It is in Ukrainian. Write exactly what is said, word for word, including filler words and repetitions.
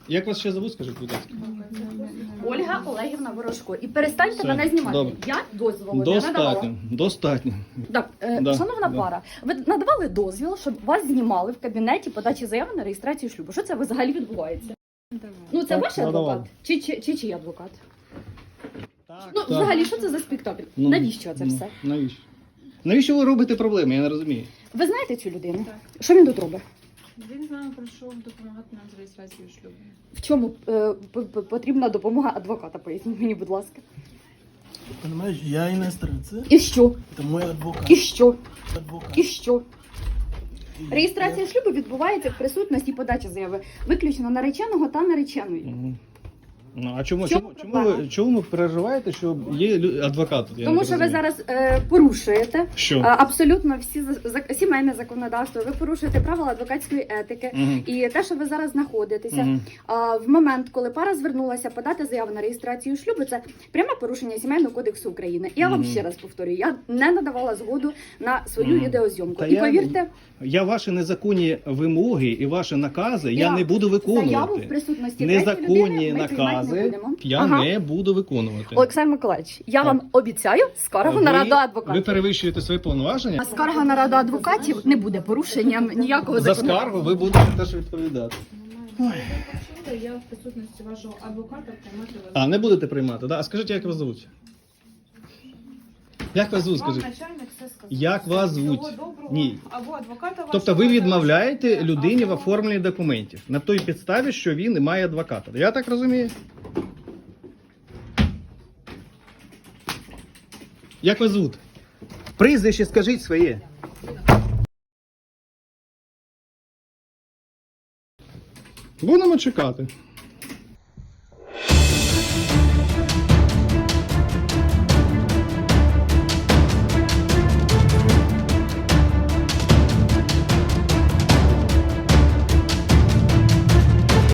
Як вас ще зовут, скажіть, будь ласка? Ольга Олегівна Ворожко. І перестаньте Все, мене знімати. добре. Я дозволу не надавала. Достатньо, достатньо. Так, е, Да, шановна да. пара, ви надавали дозвіл, щоб вас знімали в кабінеті подачі заяви на реєстрацію шлюбу. Що це взагалі відбувається? Ну це Так, ваш надавали. адвокат? Чи, чи, чи чий адвокат? Так, Ну, взагалі, що це за спектакль? Ну, Навіщо це ну, все? Навіщо? Навіщо ви робите проблеми? Я не розумію. Ви знаєте цю людину? Так. Що він тут робить? Він з нами прийшов допомагати нам з реєстрацією шлюбу. В чому е, п- п- потрібна допомога адвоката? Поясніть мені, будь ласка. Понимаешь, я иностранец, І що? это мой адвокат. І що? адвокат. І що? И Реєстрація шлюбу відбувається в присутності подачі заяви виключно нареченого та нареченої. Мгм. Ну, а чому, В чому чому, чому, проблема? ви, чому ви переживаєте, що є лю- адвокат? Я Тому не що ви розумію. зараз е, порушуєте Що? а, абсолютно всі за- за- сімейне законодавство. Ви порушуєте правила адвокатської етики. Мгм. І те, що ви зараз знаходитеся Мгм. а, в момент, коли пара звернулася подати заяву на реєстрацію шлюбу, це пряме порушення Сімейного кодексу України. Я вам Мгм. ще раз повторюю, я не надавала згоду на свою Мгм. відеозйомку. Та І я- повірте, Я ваші незаконні вимоги і ваші накази я, Я не буду заяву в виконувати. присутності третьої Незаконні людини ми приймати не накази будемо. я Ага. не буду виконувати. Олександр Миколаївич, я Так. вам обіцяю скаргу на раду ви адвокатів. перевищуєте свої повноваження. А скарга на раду адвокатів не буде порушенням ніякого За закону. скаргу ви будете теж відповідати. Ви почули, я в присутності вашого адвоката приймати вас. А, не будете приймати, да? А скажіть, як вас звуть? Як вас звуть, Вам скажіть? начальник все сказав. Як вас Всього звуть? доброго. Ні. Або адвоката вашого. Тобто ви відмовляєте залишите, людині в або- оформленні документів на той підставі, що він не має адвоката. Я так розумію? Як вас звуть? Прізвище скажіть своє. Будемо чекати.